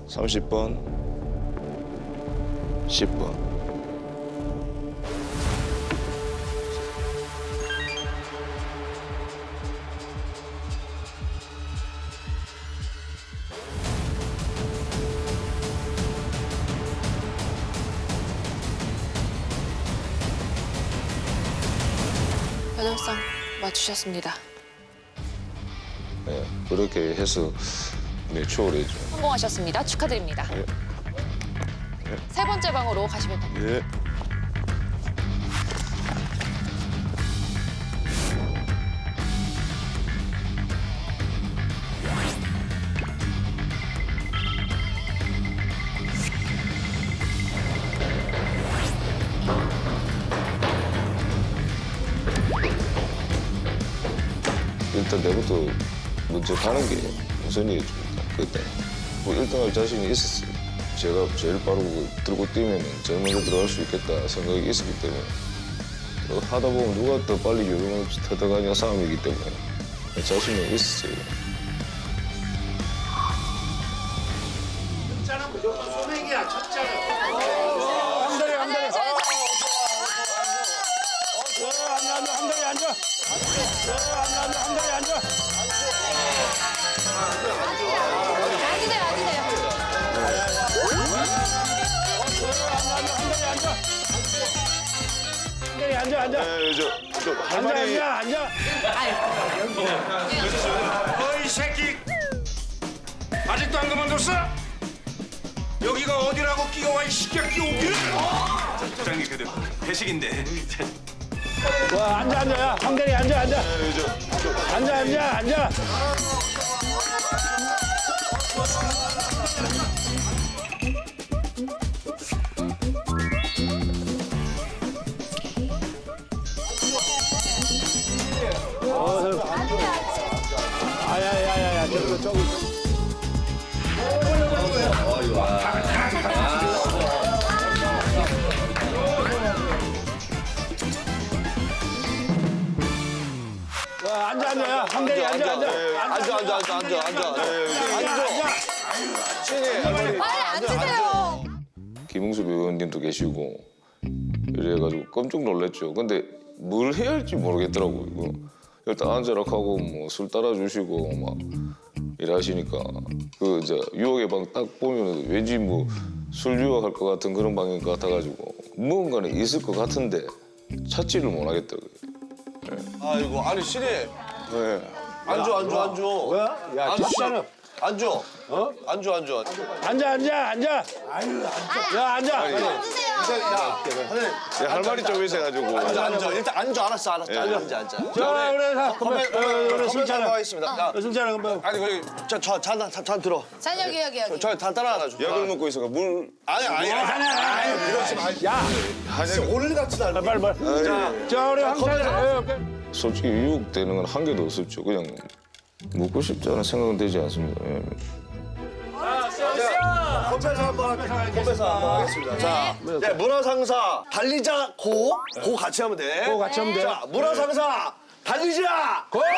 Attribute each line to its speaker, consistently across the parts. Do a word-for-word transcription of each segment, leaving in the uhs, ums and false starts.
Speaker 1: 삼십 번, 십 번.
Speaker 2: 여덟 상 맞추셨습니다.
Speaker 1: 네, 그렇게 해서 네, 추월해죠.
Speaker 2: 성공하셨습니다. 축하드립니다.
Speaker 1: 예.
Speaker 2: 세 번째 방으로 가시면 됩니다.
Speaker 1: 예. 일단 내부터 먼저 가는 게 우선이었죠. 그때 뭐 일 등 할 자신이 있었어요. 제가 제일 빠르고 들고 뛰면 제일 먼저 들어갈 수 있겠다 생각이 있었기 때문에 또 하다 보면 누가 더 빨리 요령 없이 터득하냐 싸움이기 때문에 자신이 있었어요.
Speaker 3: 첫자는 무조건 소맥이야, 첫자는.
Speaker 4: 한달에 한달에 앉아 앉아 한달에 앉아 앉아 앉아 한달에 앉아
Speaker 2: 앉으세요, 앉으세요.
Speaker 4: 한달에 앉아 앉아
Speaker 1: 네, 저, 저
Speaker 4: 앉아
Speaker 1: 할머니
Speaker 4: 앉아 앉아
Speaker 3: 어이 새끼, 아직도 안 그만뒀어? 여기가 어디라고 끼어와 이 시끼야 끼어오기를?
Speaker 5: 부장님 그래도 회식인데
Speaker 4: 와 앉아 앉아 야 한달에 앉아 앉아
Speaker 1: 네, 저, 저,
Speaker 4: 앉아 앉아 앉아 아야야야야 저기 저기 와 앉아 앉아 야 한달에 앉아 앉아
Speaker 1: 네, 앉아, 앉아, 앉아, 앉아, 앉아. 네, 앉아.
Speaker 2: 빨리 앉으세요.
Speaker 1: 김웅수 배우님도 계시고 이래가지고 깜짝 놀랐죠. 근데 뭘 해야 할지 모르겠더라고요. 이거. 일단 앉아라 하고 뭐 술 따라주시고 막 일하시니까 그 이제 유혹의 방 딱 보면 왠지 뭐 술 유혹할 것 같은 그런 방인 것 같아가지고 무언가는 있을 것 같은데 찾지를 못하겠더라고요.
Speaker 6: 아이고 아니 신이
Speaker 1: 네.
Speaker 6: 앉아 앉아 앉아
Speaker 4: 뭐야? 야
Speaker 6: 앉아
Speaker 4: 진짜는
Speaker 6: 앉아 어? 앉아 앉아
Speaker 4: 앉아 앉아 앉아 야 앉아
Speaker 6: 야 하늘
Speaker 1: 야, 할 말이 좀 있어가지고
Speaker 6: 앉아 앉아 일단 앉아 알았어 알았어 앉아 앉아 앉아
Speaker 4: 자 그래 자
Speaker 6: 컴백
Speaker 4: 컴백 그래
Speaker 6: 컴백
Speaker 4: 승찬아
Speaker 6: 하겠습니다 야
Speaker 4: 승찬아 컴백
Speaker 6: 아니 거기 저잔잔 들어
Speaker 2: 잔 여기, 여기, 여기.
Speaker 6: 저잔 따라하나 줘
Speaker 1: 약을 먹고 있어가 물
Speaker 6: 아니 아니 아니 이러지 마
Speaker 4: 야
Speaker 6: 오늘 같은 날
Speaker 4: 빨리 빨리 자 우리 황찬이
Speaker 1: 솔직히 유혹되는 건 한 개도 없었죠. 그냥 먹고 싶지 않은 생각은 되지 않습니다. 예.
Speaker 6: 컴백사 한번 컴백사 한번 하겠습니다 자 네, 문화상사 달리자 고 고 같이 하면 돼
Speaker 4: 고 같이 하면 돼.
Speaker 6: 자 문화상사 달리자
Speaker 4: 고!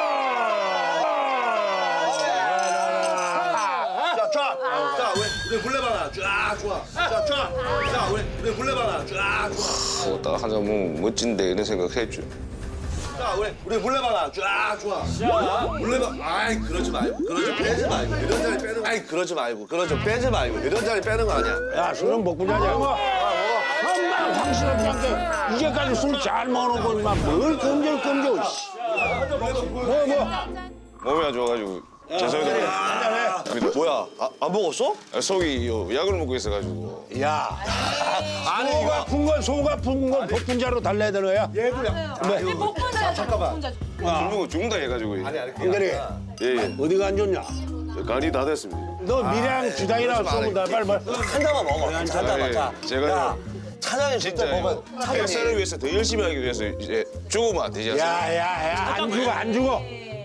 Speaker 6: 자, 쫙. 자, 우리, 우리 물레방아. 쫙, 좋아. 자, 쫙. 자, 우리, 우리 물레방아. 쫙, 좋아.
Speaker 1: 뭐 딱 한잔 먹으면 멋진데 이런 생각 했죠.
Speaker 6: 자, 우리, 우리 물레방아. 쫙, 좋아. 물레방. 아이, 그러지 말고. 그러지 빼지 말고. 이런 자리 빼는 거. 아이, 그러지 말고. 그러지 빼지 말고. 이런 자리 빼는 거 아니야.
Speaker 4: 야 술은 먹고 자자 뭐 엄마 당신은 그냥 이제까지 술 잘 먹어놓고 인마 뭘 끔질끔질 뭐뭐
Speaker 1: 몸이 안 좋아가지고 죄송합니다.
Speaker 6: 뭐야? 아, 안 먹었어?
Speaker 1: 속이 요 약을 먹고 있어가지고
Speaker 4: 야
Speaker 6: 아니,
Speaker 4: 속
Speaker 6: 이거.
Speaker 4: 아픈 건 속 아픈 건 복분자로 달래야 되는 거야?
Speaker 2: 복분자, 복분자.
Speaker 1: 술 먹고 죽는다 해가지고
Speaker 4: 한결이
Speaker 1: 예예
Speaker 4: 어디가 안 좋냐?
Speaker 1: 간이 다 됐습니다.
Speaker 4: 너 미량 주당이나 써본다 빨리 빨리
Speaker 6: 한 잔만 먹어. 한 잔만. 자,
Speaker 1: 예, 제가
Speaker 6: 야, 차장님 진짜
Speaker 1: 진짜
Speaker 6: 먹어.
Speaker 1: 회사를 위해서 더 열심히 하기 위해서 이제 죽으면 안 되지 않습니까?
Speaker 4: 야야야 안 죽어 안 죽어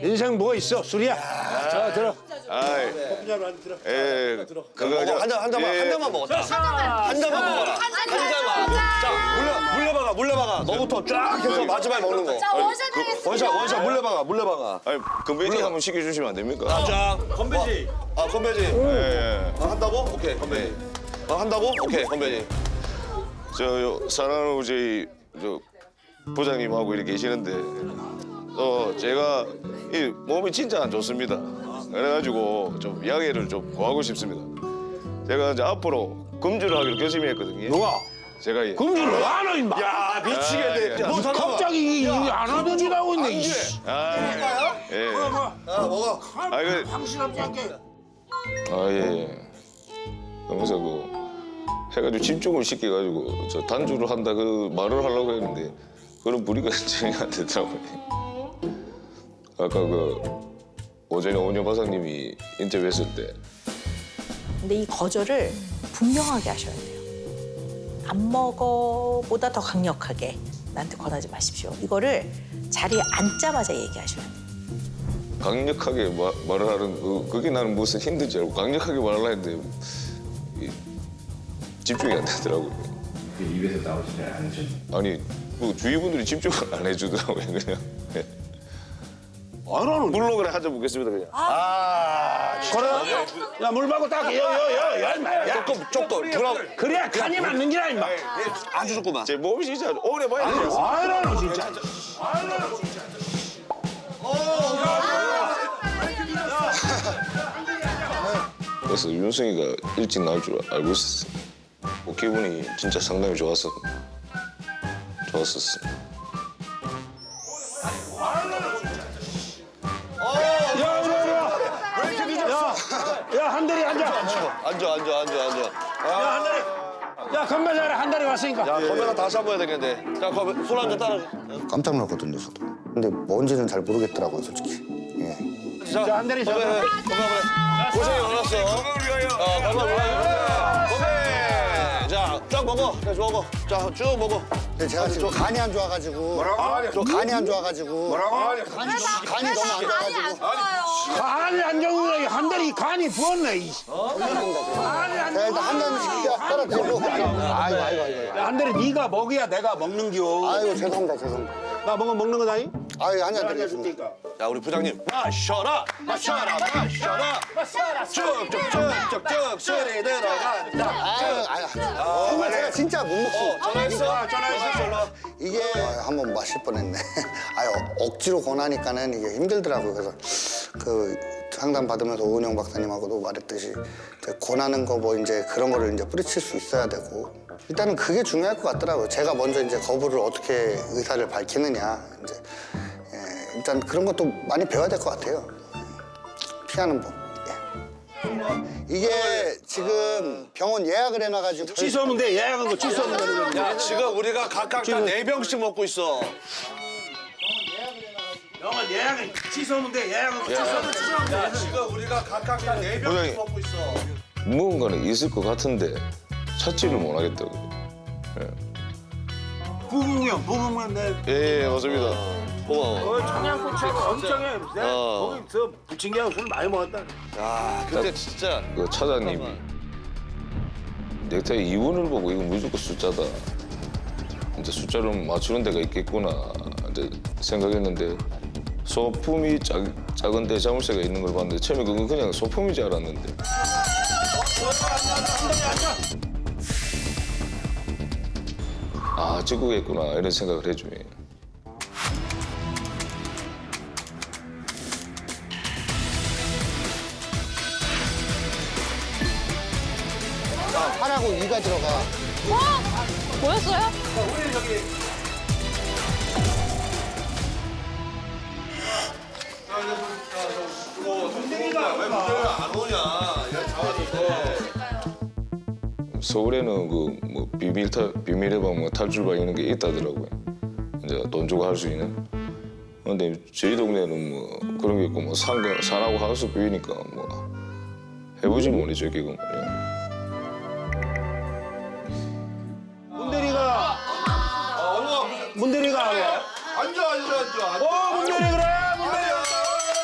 Speaker 4: 인생 뭐가 있어? 술이야. 자 들어.
Speaker 1: 아이, 예, 그거
Speaker 6: 먹어, 한 잔, 한 잔만,
Speaker 1: 예.
Speaker 6: 한 잔만 먹었다. 한 잔만 먹어라. 한 잔만. 자, 물려, 물려박아, 물려박아. 너부터 쫙 해서 마지막에 먹는 거.
Speaker 2: 자, 원샷 하겠습니다.
Speaker 6: 원샷, 원샷, 물려박아, 물려박아.
Speaker 1: 아니, 건배지 한번 시켜주시면 안 됩니까?
Speaker 6: 자, 건배지. 아, 건배지.
Speaker 1: 예.
Speaker 6: 아, 한다고? 오케이, 건배지. 아, 한다고? 오케이, 건배지.
Speaker 1: 저 사랑하는 저희 저 부장님하고 이렇게 계시는데 어 제가 이 몸이 진짜 안 좋습니다. 그래가지고 좀 양해를 좀 구하고 싶습니다. 제가 이제 앞으로 금주를 하기로 결심했거든요.
Speaker 4: 누가?
Speaker 1: 제가 예.
Speaker 4: 금주를 왜 안 해, 임마?
Speaker 6: 야, 미치겠네.
Speaker 1: 아,
Speaker 6: 너 잠깐만.
Speaker 4: 갑자기 이- 이 안 하던 짓 하고 있네. 이씨.
Speaker 1: 아, 예.
Speaker 6: 야, 먹어.
Speaker 1: 아, 그,
Speaker 4: 확실하지 않게.
Speaker 1: 아, 예, 예. 그러면서 그 해가지고 집중을 시켜가지고 저 단주를 한다 그 말을 하려고 했는데 그런 무리가 진행이 안 되더라고요. 아까 그 오전에 오은영 박사님이 인터뷰했을 때
Speaker 7: 근데 이 거절을 분명하게 하셔야 돼요. 안 먹어보다 더 강력하게 나한테 권하지 마십시오. 이거를 자리에 앉자마자 얘기하셔야 돼요.
Speaker 1: 강력하게 마, 말을 하는 그, 그게 나는 무슨 힘든지 알고 강력하게 말을 했는데 이, 집중이 안 되더라고요.
Speaker 5: 입에서 나오지 않죠.
Speaker 1: 아니 그 주위 분들이 집중을 안 해주더라고요 그냥. 예.
Speaker 4: 안 하는.
Speaker 1: 물로 그래 하자 보겠습니다 그냥.
Speaker 4: 아, 그래? 야, 물 받고 딱, 여, 여, 여, 야, 임마. 야,
Speaker 6: 조금, 조금. 그럼
Speaker 4: 그래야 간이 맞는 기라, 임마.
Speaker 6: 아주 좋구만.
Speaker 1: 제 몸이 진짜 오래 봐야 돼요.
Speaker 4: 아이라노, 진짜.
Speaker 1: 그래서 윤승이가 일찍 나올 줄 알고 있었어. 뭐 기분이 진짜 상당히 좋았어. 좋았었어.
Speaker 4: 야, 이리 와, 이리 와. 야, 야, 한달이 앉아. 야,
Speaker 6: 앉아, 앉아, 앉아, 앉아.
Speaker 4: 한달이. 야, 건배 잘해. 한달이 왔으니까.
Speaker 6: 야, 건배가 다시 한 번 해야 되겠는데. 자, 건배, 술 한잔 따라.
Speaker 8: 깜짝 놀랐거든요, 저도. 근데 뭔지는 잘 모르겠더라고요, 솔직히. 예.
Speaker 6: 자,
Speaker 4: 한달이
Speaker 6: 건배,
Speaker 4: 자.
Speaker 6: 건배, 건배. 고생이 많았어. 건강을 위하여. 어, 건강을 위하여. 건배. 자, 쫙 먹어. 자, 먹어. 자, 쭉 먹어.
Speaker 8: 근데 제가 지금 간이 안 좋아가지고. 뭐라고? 저 간이 안 좋아가지고. 뭐라고? 간이, 너무- 간이 너무 안 좋아가지고.
Speaker 4: 간이 안 좋은 한달이 간이 부었네. 이. 간이 안
Speaker 8: 제가 일단 한 잔씩 떨어뜨리고. 아이고, 아이고, 아이고.
Speaker 4: 야, 한달이 네가 먹어야 내가 먹는겨.
Speaker 8: 아이고, 죄송합니다, 죄송합니다.
Speaker 4: 나 먹어 먹는 거다이?
Speaker 8: 아이고, 한 잔 드리겠습니다.
Speaker 6: 자, 우리 부장님. 마셔라. 마셔라. 마셔라. 쭉쭉쭉쭉쭉 술이 들어간다.
Speaker 8: 아유, 아유. 정말 제가 진짜 못
Speaker 6: 어,
Speaker 8: 먹습니다.
Speaker 6: 전화했어? 전화했어. 일로 와.
Speaker 8: 이게 한번 마실 뻔했네. 아유, 억지로 권하니까는 이게 힘들더라고요. 그래서 그 상담 받으면서 오은영 박사님하고도 말했듯이 이제 권하는 거 뭐 이제 그런 거를 이제 뿌리칠 수 있어야 되고 일단은 그게 중요할 것 같더라고요. 제가 먼저 이제 거부를 어떻게 의사를 밝히느냐 이제 예, 일단 그런 것도 많이 배워야 될 것 같아요. 피하는 법. 예. 이게 지금 병원 예약을 해놔가지고
Speaker 4: 취소하면 돼. 예약한 거 취소하면 되는 거야.
Speaker 6: 야, 지금 우리가 각각 다 네 병씩 먹고 있어.
Speaker 4: 병원 예약은 취소하면 돼. 예약한 거 취소하면 취소하면 돼.
Speaker 6: 야, 지금 우리가 각각 다 네 병씩
Speaker 1: 부장님.
Speaker 6: 먹고 있어.
Speaker 1: 무언가는 있을 것 같은데 찾지를 못하겠다고요.
Speaker 4: 부부면 부부면 내.
Speaker 1: 예, 예 맞습니다.
Speaker 6: 고마워.
Speaker 4: 청양고추 엄청해. 내가
Speaker 6: 어.
Speaker 4: 거기서 부침개하고 술 많이 먹었다.
Speaker 6: 야, 그때 진짜.
Speaker 1: 그 차장님이 넥타이 이분을 보고 이거 무조건 숫자다. 이제 숫자를 맞추는 데가 있겠구나 이제 생각했는데 소품이 작, 작은데 자물쇠가 있는 걸 봤는데 처음에 그건 그냥 소품인 줄 알았는데 아 찍고겠구나 이런 생각을 해줘요.
Speaker 8: 팔하고 이가 들어가.
Speaker 2: 어? 뭐였어요?
Speaker 6: 왜 문제를 안 오냐? 야, 잡아줬어.
Speaker 1: 서울에는 그 뭐 비밀 탈 비밀의 방뭐 탈출방 이런 게 있다더라고요. 이제 돈 주고 할 수 있는. 근데 저희 동네는 뭐 그런 게 있고 뭐 산거 산하고 하우스 비우니까 뭐 해보지 못했죠 지금 말이야.
Speaker 4: 문대리가 문대리가 하고.
Speaker 6: 앉아, 앉아, 앉아.
Speaker 4: 어 문대리 그래 문대리.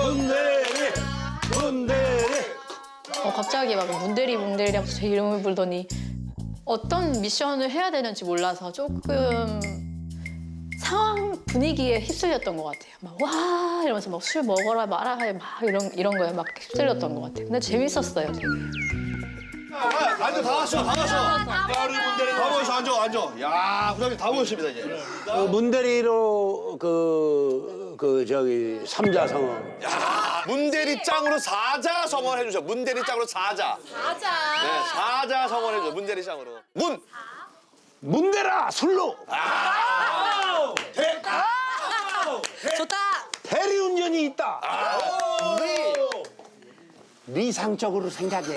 Speaker 4: 문대리 문대리.
Speaker 9: 어, 갑자기 막 문대리 문대리 하면서 제 이름을 부르더니 어떤 미션을 해야 되는지 몰라서 조금 상황 분위기에 휩쓸렸던 것 같아요. 막 와 이러면서 막 술 먹어라 말아 막 이런 이런 거에 막 휩쓸렸던 것 같아요. 근데 재밌었어요. 되게.
Speaker 6: 앉아 다 왔어 다 왔어. 야 우리 문대리 다 모였어 앉아 앉아. 야 부장님 다 모였습니다 이제.
Speaker 4: 어, 문대리로 그, 그 저기 삼자성어.
Speaker 6: 야 문대리 짱으로 사자 성원 해주세요. 문대리 짱으로 사자.
Speaker 2: 맞아.
Speaker 6: 네 사자 성원 해줘. 문대리 짱으로. 문.
Speaker 4: 문대라 술로.
Speaker 2: 좋다.
Speaker 4: 대리운전이 있다. 리상적으로 생각해.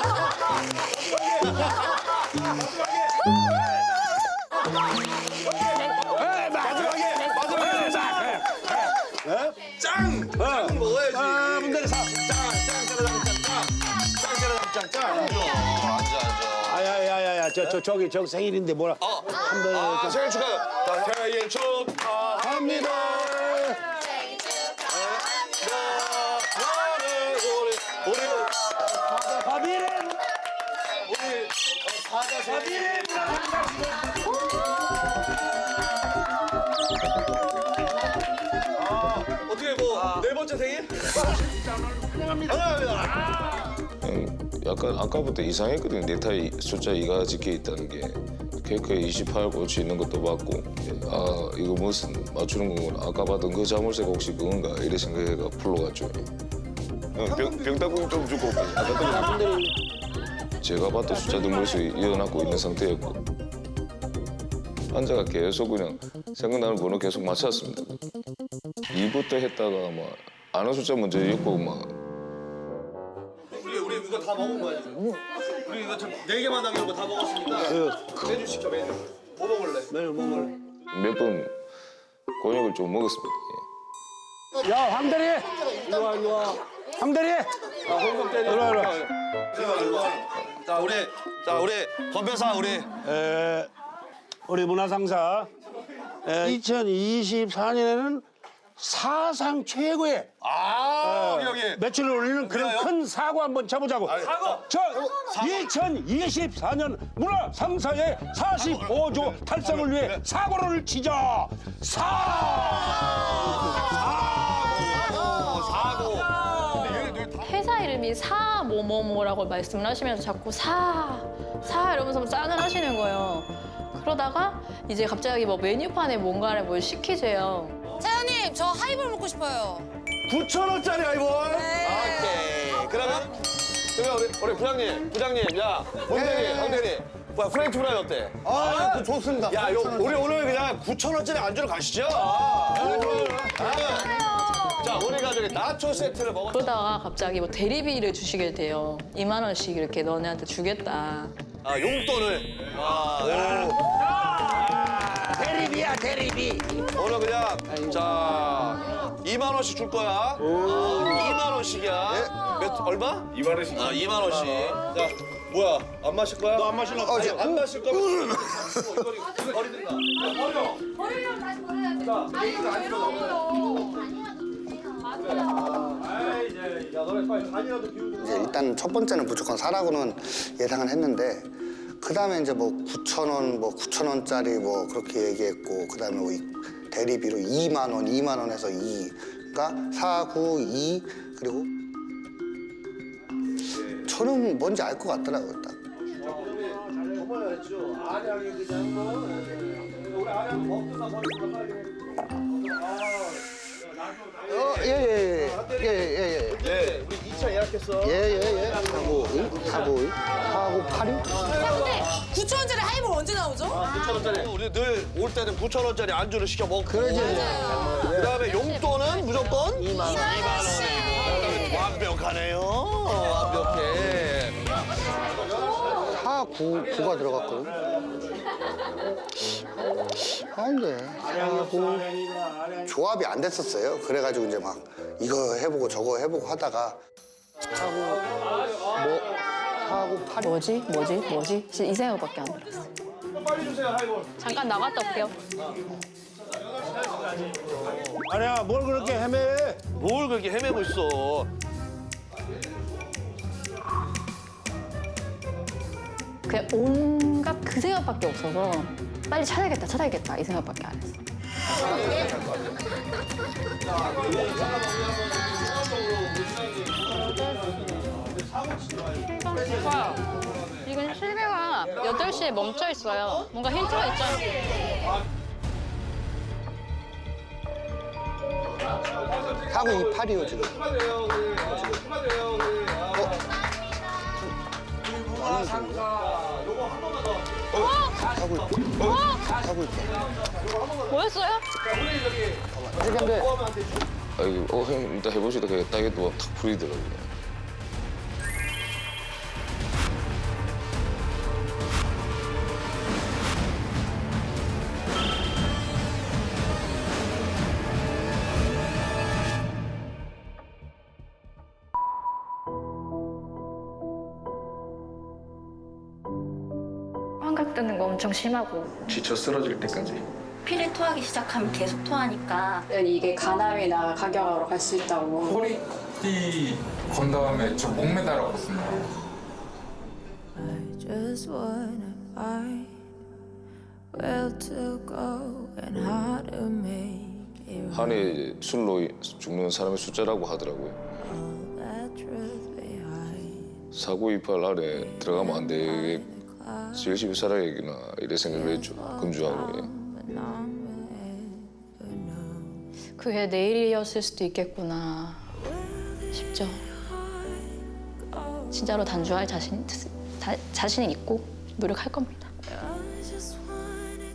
Speaker 6: 마지막에 마지막에 짱. 짱. 짱 먹어야지.
Speaker 4: 아, 문대리 사.
Speaker 6: 짱짱 짜라장 짱짱. 짱 짜라장 짱짱. 앉아 앉아 앉아.
Speaker 4: 아야야야야 저 저 저기 저 생일인데 뭐라.
Speaker 6: 어.
Speaker 4: 한번
Speaker 6: 아 생일 축하. 자, 생일 축하합니다. 생일 축하합니다. 우리 우리
Speaker 4: 바비렌.
Speaker 6: 우리 사자 생일. 아 어떻게 뭐 네 번째 생일? 환영합니다.
Speaker 1: 음, 약간 아까부터 이상했거든요. 넥타이 숫자 이가 적혀 있다는 게 케이크에 이십팔 꽂혀 있는 것도 봤고 아 이거 무슨 맞추는 거구나. 아까 봤던 그 자물쇠가 혹시 그건가 이래 생각해가 풀러갔죠. 어, 병, 병따구니 좀 주고 올게요. 아까 제가 봤던 숫자들 머릿속에 이어놨고 있는 상태였고 환자가 계속 그냥 생각나는 번호 계속 맞췄습니다. 이부터 했다가 막 아는 숫자 먼저 읽고 막
Speaker 6: 우리 우리 이거 다 먹은 거야 지금. 우리 이거 네 개만 남긴 거 다 먹었으니까 메뉴 시켜 메뉴. 뭐 먹을래?
Speaker 4: 메뉴 뭐 먹을래?
Speaker 1: 몇 번 곤약을 좀 먹었습니다. 예.
Speaker 4: 야 황대리. 이리 와 이리 와. 황대리.
Speaker 6: 아 홍석 대리.
Speaker 4: 이리 와 이리 와.
Speaker 6: 이리 와. 자 우리 자 우리 건배사 우리
Speaker 4: 에, 우리 문화상사 에, 이천이십사 년에는 사상 최고의
Speaker 6: 아 여기 여기.
Speaker 4: 매출을 올리는 그런
Speaker 6: 그래요?
Speaker 4: 큰 사고 한번 쳐보자고.
Speaker 6: 사고.
Speaker 4: 저 이천이십사 년 문화상사의 사십오 조 달성을 위해 사고를 치자. 사.
Speaker 6: 사고. 근데 얘네들 다
Speaker 9: 회사 이름이 사 뭐뭐뭐라고 말씀을 하시면서 자꾸 사, 사 이러면서 짠을 하시는 거예요. 그러다가 이제 갑자기 뭐 메뉴판에 뭔가를 뭘 시키세요.
Speaker 2: 사장님 저 하이볼 먹고 싶어요.
Speaker 6: 구천 원짜리 아이볼.
Speaker 2: 네.
Speaker 6: 오케이. 그러면 그러면 우리 우리 부장님 부장님 야 문대리 강대리. 뭐야 프렌치 프라이 어때?
Speaker 8: 아, 그 좋습니다.
Speaker 6: 야, 요, 우리 오늘 그냥 구천 원짜리 안주로 가시죠. 아, 자, 우리가 저기 나초 세트를 먹었.
Speaker 9: 그러다가 갑자기 뭐 대리비를 주시게 돼요. 이만 원씩 이렇게 너네한테 주겠다.
Speaker 6: 아, 용돈을. 아,
Speaker 4: 대리비야 대리비.
Speaker 6: 오늘 그냥 자 이만 원씩 줄 거야. 어, 이만 원씩이야. 몇 얼마?
Speaker 5: 이만 원씩.
Speaker 6: 아, 이만 원씩. 자, 뭐야? 안 마실 거야? 너 안 마실라?
Speaker 8: 어, 저-
Speaker 6: 안 마실 거면 버리든가. 버려.
Speaker 10: 버리려면 다시 버려야 돼. 아니, 이거 외로워요.
Speaker 6: 야, 너네 빨리 잔이라도 비우자.
Speaker 8: 이제 일단 첫 번째는 무조건 사라고는 예상을 했는데 그 다음에 이제 뭐 구천 원, 뭐 구천 원짜리 뭐 그렇게 얘기했고 그 다음에 뭐 이- 대리비로 이만 원, 이만 원에서 이 그러니까 사, 구, 이 그리고 저는 뭔지 알 것 같더라고요 딱.
Speaker 6: 정말 했죠. 안양이 그냥 뭐 우리 안양 먹든가 버리든가 빨리.
Speaker 8: 어, 예, 예, 예, 예, 예, 예,
Speaker 6: 네, 우리 이 차 예약했어.
Speaker 8: 예, 예, 예, 사고, 사고, 사고, 팔이.
Speaker 2: 근데 구천 원짜리 하이볼 언제 나오죠?
Speaker 6: 구천 원짜리. 우리 늘 올 때는 구천 원짜리 안주를 시켜 먹고.
Speaker 8: 그러지.
Speaker 6: 그다음에 용돈은 무조건 이만 원.
Speaker 2: 원씩.
Speaker 6: 완벽하네요. 완벽해.
Speaker 8: 사, 구, 구가 들어갔거든. 아, 이제 사고 조합이 안 됐었어요. 그래가지고 이제 막 이거 해보고 저거 해보고 하다가 사고 뭐 사고 팔이.
Speaker 9: 뭐지? 뭐지? 뭐지? 진짜 이 생각밖에 안 들었어요.
Speaker 6: 빨리 주세요 하이볼.
Speaker 9: 잠깐 나갔다 올게요.
Speaker 4: 아니야, 뭘 그렇게 헤매?
Speaker 6: 뭘 그렇게 헤매고 있어.
Speaker 9: 그냥 온갖 그 생각밖에 없어서 빨리 찾아야겠다, 찾아야겠다 이 생각밖에 안 했어.
Speaker 2: 오빠, 이건 실내가 여덟 시에 멈춰 있어요. 뭔가 힌트가 있잖아.
Speaker 8: 사고 이팔이요 지금. 하고 있 하고 있다.
Speaker 2: 뭐였어요?
Speaker 8: 근데
Speaker 1: 아 이거 어 형 일단 해보시다 그냥 딱이 또탁 풀리더라고요.
Speaker 9: 환각 드는 거 엄청 심하고
Speaker 5: 지쳐 쓰러질 때까지.
Speaker 11: 피를 토하기 시작하면 계속 토하니까
Speaker 9: 이게 간암이나 각경으로 갈 수 있다고.
Speaker 5: 허리띠 건 다음에 저 목 매달았거든요.
Speaker 10: Just wanna find where to go and how to make it
Speaker 1: 한해 이제 술로 죽는 사람의 숫자라고 하더라고요.
Speaker 10: all that truth behind.
Speaker 1: 사고 이팔 안에 들어가면 안 되게 열심히 살아야겠구나 이래 생각을 했죠. 금주하고. 예.
Speaker 10: But none will ever know.
Speaker 9: 그게 내일이었을 수도 있겠구나 싶죠. 진짜로 단주할 자신, 다, 자신이 있고 노력할 겁니다.
Speaker 10: I just wanna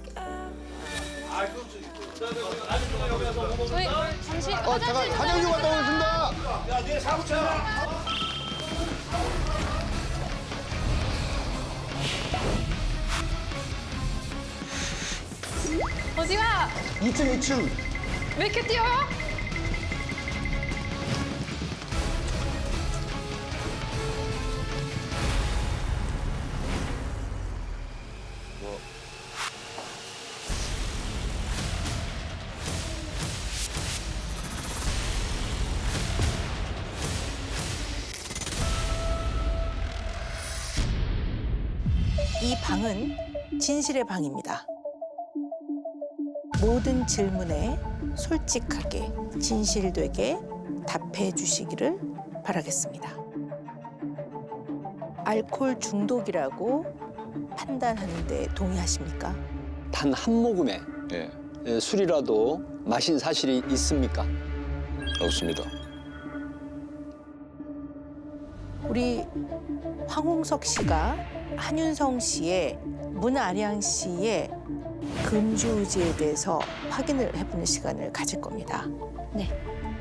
Speaker 10: go.
Speaker 2: 저희 잠시
Speaker 8: 어 잠깐 사장님 왔다 오겠습니다.
Speaker 3: 야, 네 사고 쳐.
Speaker 2: 어디가?
Speaker 8: 이 층 이 층.
Speaker 2: 왜 이렇게 뛰어요?
Speaker 7: 이 방은 진실의 방입니다. 모든 질문에 솔직하게 진실되게 답해 주시기를 바라겠습니다. 알코올 중독이라고 판단하는데 동의하십니까?
Speaker 12: 단 한 모금의
Speaker 1: 예.
Speaker 12: 예, 술이라도 마신 사실이 있습니까?
Speaker 1: 없습니다.
Speaker 7: 우리 황홍석 씨가 한윤성 씨의 문아량 씨의 금주 의지에 대해서 확인을 해보는 시간을 가질 겁니다.
Speaker 9: 네.